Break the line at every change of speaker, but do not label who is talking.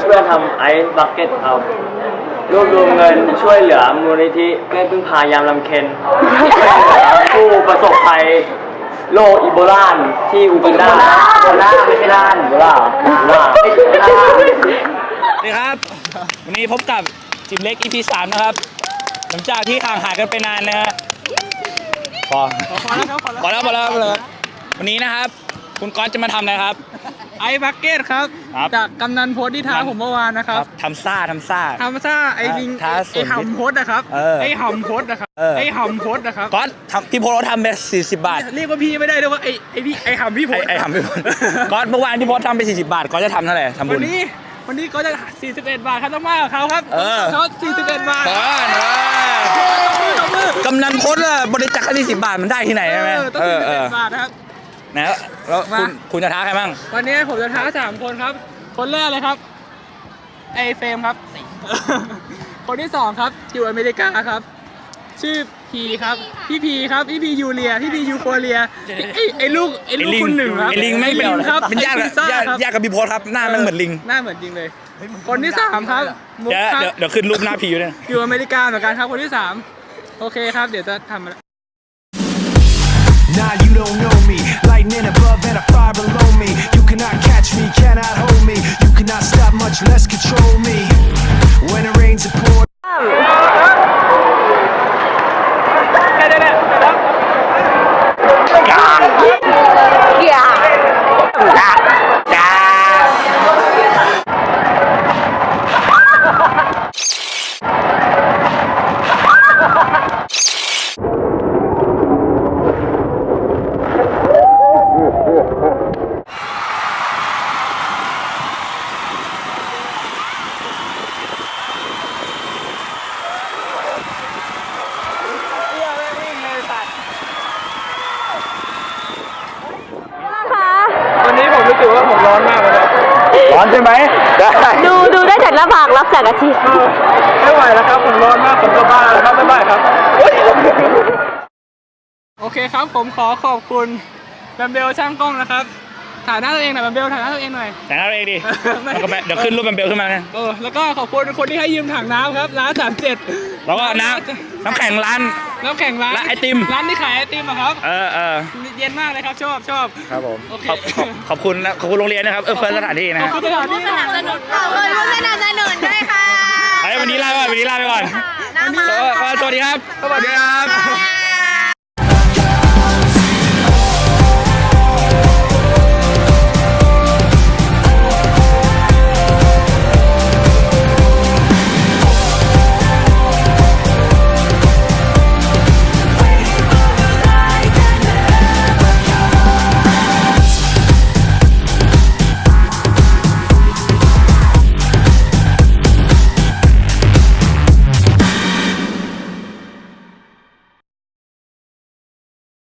เพื่อนๆทำไอซ์บักเก็ตครับรวบรวมเงินช่วยเหลือมูลนิธิแม่พึ่งพายามลำเค็ญผู้ประสบภัยโรคอีโบลาที่อูกันดาอีโบลาไม่ใช่ด้านอีโบลา
นี่ครับวันนี้พบกับจิมเล็ก EP 3 นะครับหลังจากที่ห่างหายกันไปนานนะฮะพอแล้ววันนี้นะครับคุณก๊อตจะมาทำอะไรครับ
ไอ้บักเก็ตครับจากกำนันโพสที่ท้าผมเมื่อวานนะครับ
ทำซ่า
ไอ้ลิงไอ้หำโพสนะครับไอ้หำโพสนะครับไอ้หำโพสนะครับ
ก๊อตพี่โพสเราทำไป40 บาท
เรียกว่าพี่ไม่ได้ด้วยว่าไอ้พี่ไอ้หำพี่โพส
ก๊อตเมื่อวานพี่โพสทำไป40 บาทก๊อตจะทำเท่าไหร่ทำบุญ
วันนี้ก็จะ41 บาทครับต้องมากกับเขาครับเขา41 บาท
กำนันโพสบริจาคแค่40 บาทมันได้ที่ไหนใช่ไหม
ต้อง41 บาทครับ
นะแล้วคุณจะท้าใครบ้าง
วันนี้ผมจะท้า3 คนครับคนแรกเลยครับไอเฟรมครับคนที่2ครับอยู่อเมริกาครับชื่อพีครับพี่พีครับพี่พียูเรียพี่พียูโฟเรียไอลูกคุณหนึ่งครับ
ไอลิงไม่เป็นครับเป็นยากกับพี่โพสครับหน้ามันเหมือนลิง
หน้าเหมือนจริงเลยคนที่3ครับ
เดี๋ยวขึ้นรูปหน้าพีอยู่เนี่ย
อยู่อเมริกาเหมือนกันครับคนที่3โอเคครับเดี๋ยวจะทำ
Nah, you don't know me. Lightning above and a fire below me. You cannot catch me, cannot hold me. You cannot stop, much less control me. When it rains, it pours.
วันนี้ผมรู้สึกว่าผมร้อนมากเลยครับ
ร้อนใช่ไหม
ดูได้จากหน้าผากรับแสงอาทิตย์
ไม่ไหวแล้วครับผมร้อนมากผมจะบ้าแล้วครับไม่ไหวครับโอเคครับผมขอบคุณแบมเบลช่างกล้องนะครับถ่ายหน้าตัวเองหน่อยแบมเบลถ่ายหน้าตัวเองหน่อย
ถ่ายหน้าตัวเองดิเดี๋ยวขึ้นรูปแบมเบลขึ้นมาไง
แล้วก็ขอบคุณคนที่ให้ยืมถังน้ำครับร้าน37
แล้วก็น้ำแข็งร้านไอติม
ร้านที่ขายไอติมอะครับเย็นมากเลยครับชอบ
ครับผมขอบคุณโรงเรียนนะครับเฟิร์สสถานที่นะ
ขอบคุณผู้สนับสนุนด้วยค่ะ
วันนี้ลาไปก่อนสวัสดีครับ